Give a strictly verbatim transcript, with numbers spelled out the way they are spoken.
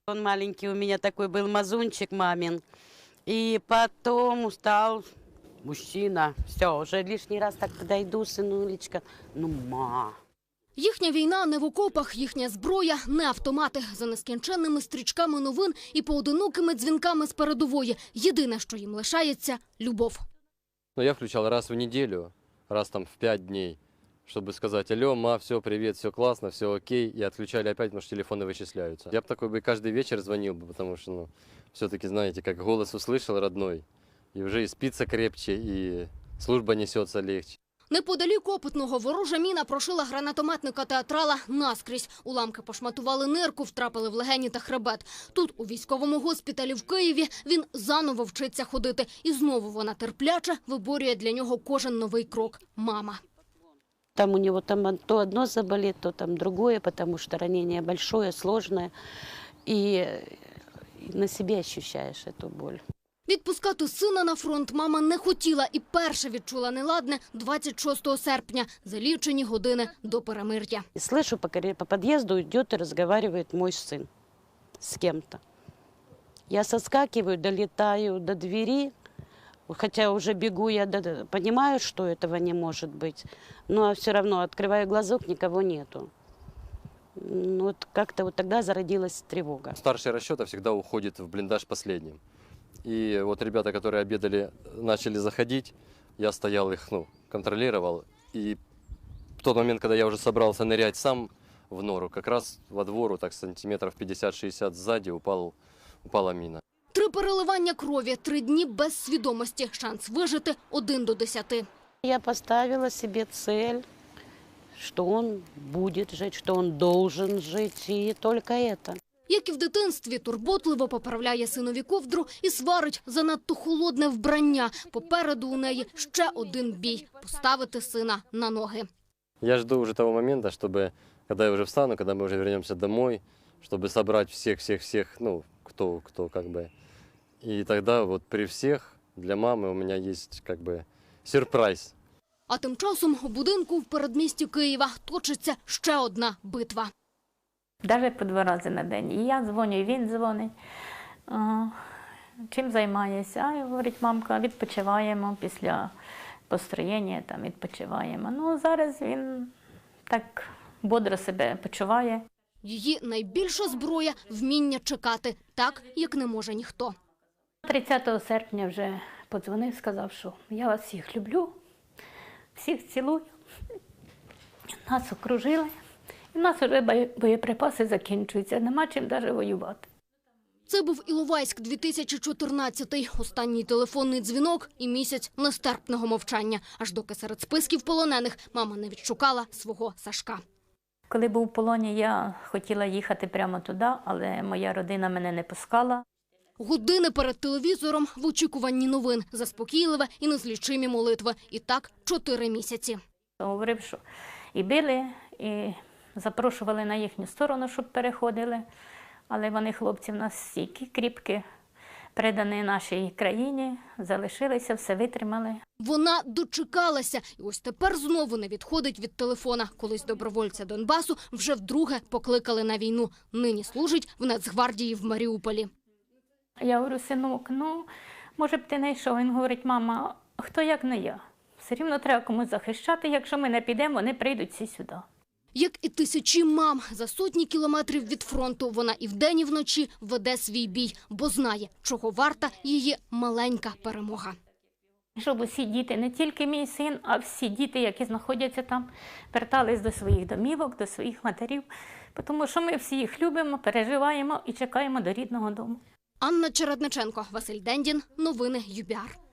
Он маленький у меня такой был мазунчик мамин. И потом стал мужчина. Все, уже лишний раз так подойду, сынулечка. Ну, ма. Їхня війна не в окопах, їхня зброя – не автомати. За нескінченними стрічками новин і поодинокими дзвінками з передової. Єдине, що їм лишається – любов. Ну, я включал раз в неделю, раз там в пять дней, чтобы сказать: алло, ма, все, привет, все классно, все окей. И отключали опять, потому что телефоны вычисляются. Я бы такой бы каждый вечер звонил бы, потому что, ну, все-таки, знаете, как голос услышал родной, и уже и спится крепче, и служба несется легче. Неподалік Опитного ворожа міна прошила гранатометника-театрала наскрізь. Уламки пошматували нирку, втрапили в легені та хребет. Тут, у військовому госпіталі в Києві, він заново вчиться ходити. І знову вона терпляче виборює для нього кожен новий крок – мама. Там у него там то одно заболит, то там другое, потому что ранение большое, сложное. И на себе ощущаешь эту боль. Відпускати сина на фронт мама не хотіла і перше відчула неладне двадцять шостого серпня, за лічені години до перемир'я. И слышу, по, по подъезду идет и разговаривает мой сын с кем-то. Я соскакиваю, долетаю до двери, хотя уже бегу, я до, понимаю, что этого не может быть, но все равно открываю глазок, никого нету. Ну, вот как-то вот тогда зародилась тревога. Старший расчета всегда уходит в блиндаж последним. И вот ребята, которые обедали, начали заходить, я стоял их, ну, контролировал. И в тот момент, когда я уже собрался нырять сам в нору, как раз во двору, так сантиметров пятьдесят-шестьдесят сзади, упал, упала мина. Три переливання крові, три дні без свідомості. Шанс вижити – один до десяти. Я поставила себе цель, что он будет жить, что он должен жить, и только это. Як і в дитинстві, турботливо поправляє синові ковдру і сварить занадто холодне вбрання. Попереду у неї ще один бій – поставити сина на ноги. Я жду уже того момента, чтобы, когда я уже встану, когда мы уже вернемся домой, чтобы собрать всех-всех-всех, ну, кто, кто как бы. И тогда вот при всех для мамы у меня есть как бы сюрприз. А тим часом у будинку в передмісті Києва точиться ще одна битва. Навіть по два рази на день. І я дзвоню, і він дзвонить. О, чим займаєшся? А, говорить, мамка, відпочиваємо після построєння, там відпочиваємо. Ну, зараз він так бодро себе почуває. Її найбільша зброя – вміння чекати, так, як не може ніхто. тридцятого серпня вже подзвонив, сказав, що я вас всіх люблю, всіх цілую. Нас окружили. І в нас вже боєприпаси закінчуються, нема чим навіть воювати. Це був Іловайськ, дві тисячі чотирнадцятий. Останній телефонний дзвінок і місяць нестерпного мовчання. Аж доки серед списків полонених мама не відшукала свого Сашка. Коли був в полоні, я хотіла їхати прямо туди, але моя родина мене не пускала. Години перед телевізором в очікуванні новин, заспокійливе і незлічимі молитви. І так чотири місяці. Говорив, що і били, і запрошували на їхню сторону, щоб переходили. Але вони, хлопці, в нас стільки кріпкі, передані нашій країні, залишилися, все витримали. Вона дочекалася. І ось тепер знову не відходить від телефона. Колись добровольця Донбасу вже вдруге покликали на війну. Нині служить в Нацгвардії в Маріуполі. Я говорю, синок, ну, може б ти не йшов? Він говорить, мама, хто як не я? Все рівно треба комусь захищати, якщо ми не підемо, вони прийдуть всі сюди. Як і тисячі мам, за сотні кілометрів від фронту вона і вдень, і вночі веде свій бій, бо знає, чого варта її маленька перемога. Щоб усі діти, не тільки мій син, а всі діти, які знаходяться там, вертались до своїх домівок, до своїх матерів, тому що ми всі їх любимо, переживаємо і чекаємо до рідного дому. Анна Чередниченко, Василь Дендін, новини ю бі ар.